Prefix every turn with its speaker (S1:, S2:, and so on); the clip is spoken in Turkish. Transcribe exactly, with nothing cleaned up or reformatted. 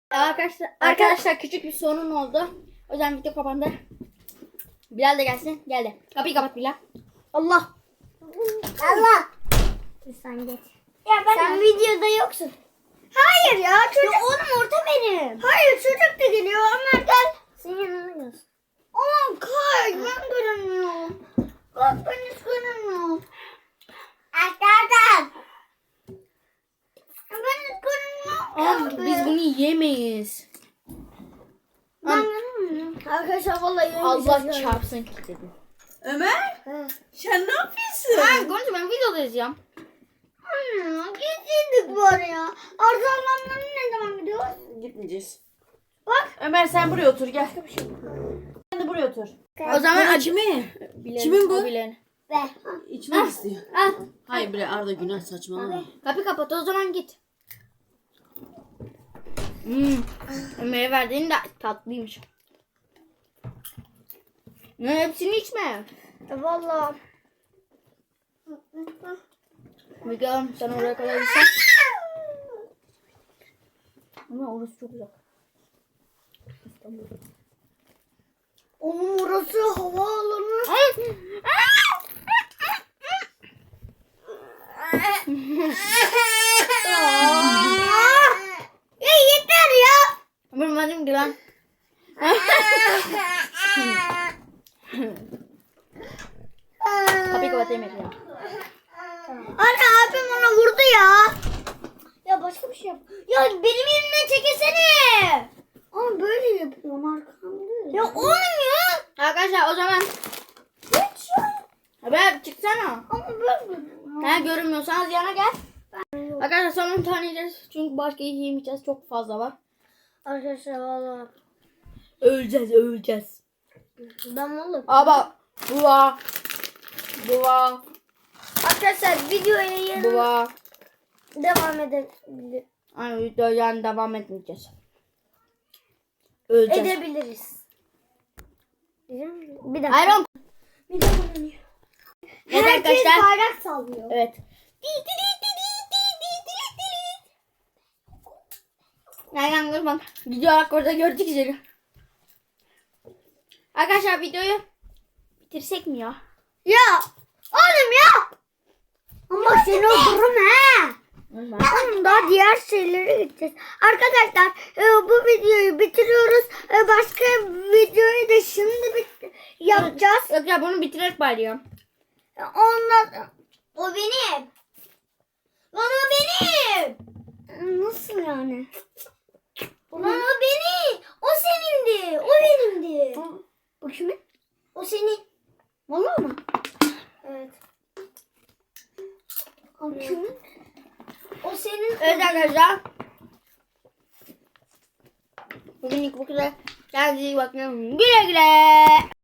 S1: Arkadaşlar, arkadaşlar küçük bir sorun oldu. O yüzden video kapandı. Bilal de gelsin. Geldi. Kapıyı kapat Bilal. Allah.
S2: Allah. Sen geç. Ya ben Sen videoda yoksun. Hayır ya çocuk. Ya oğlum orta benim. Hayır çocuk da geliyor. Ömer gel. Senin yanına gelsin. Aman kay ben görünmüyorum. Bak ben hiç görünmüyorum. Arkadaşlar. Ben hiç görünmüyorum.
S1: Abi, biz bunu yiyemeyiz.
S2: Ben görünmüyorum. Arkadaşlar vallahi yemeyeceğiz.
S1: Allah çarpsın ki dedim.
S3: Ömer,
S2: He.
S3: sen ne yapıyorsun?
S1: Ben konuşma, ben videoda izleyeceğim.
S2: Anne gittik var ya. Arzu ablamların ne zaman gidiyoruz?
S3: Gitmeyeceğiz.
S2: Bak.
S3: Ömer sen buraya otur gel. Sen de buraya otur.
S1: O zaman
S3: Bana
S1: aç.
S3: kimi?
S1: Bilal'in,
S3: Kimin bu?
S1: o Bilal'in.
S2: Be.
S3: İçmek istiyor.
S1: Al.
S3: Hayır bre Arda günah saçmalama.
S1: Kapıyı kapat, o zaman git. Hmm. Ömer'e verdiğin de tatlıymış. Ne, hepsini içme.
S2: Valla.
S1: Bilal sen oraya kadar gitsen. Ama orası çok uzak.
S2: Onun orası havaalanı. Ya yeter ya.
S1: Bilmedim ki lan. Kapıyı kapat Emir ya.
S2: Anne abim ona vurdu ya. Ya başka bir şey yap. Ya benim yerimden çekilsene. Ama böyle yapıyorum arkamda. Ya olmuyor.
S1: Arkadaşlar o zaman
S2: Hiç ya.
S1: haber çıksana.
S2: Ama böyle.
S1: Ha, görünmüyorsanız yana gel. Arkadaşlar son on tane yiyeceğiz. Çünkü başka yiyemeyeceğiz. Çok fazla var.
S2: Arkadaşlar valla.
S1: Öleceğiz, öleceğiz.
S2: Ben valla.
S1: Aba, buva, buva,
S2: Arkadaşlar videoya yarın
S1: buva.
S2: devam edebilir.
S1: Ay videoya devam etmeyeceğiz. Öleceğiz.
S2: Edebiliriz. Bir dakika.
S1: Ayron.
S2: Bir dakika.
S1: Evet
S2: Herkes
S1: arkadaşlar.
S2: bayrak sallıyor.
S1: Evet. Aynen görmem. Video bak orada gördük seni. Arkadaşlar videoyu bitirsek mi ya?
S2: Ya oğlum ya. Ama seni öldürürüm he. Oğlum daha diğer şeylere gideceğiz. Arkadaşlar e, bu videoyu bitiriyoruz. E, başka videoyu da şimdi bit- yapacağız.
S1: Yok ya bunu bitirerek bari ya.
S2: E, Ondan o benim. Lan o benim. Nasıl yani? Lan o benim. O senindi. O benimdi. O kimin? O senin. Vallahi mı? Evet. O kimin? O senin.
S1: Evet arkadaşlar. Bugünlük bu kadar. Kendinize iyi bakın. Güle güle.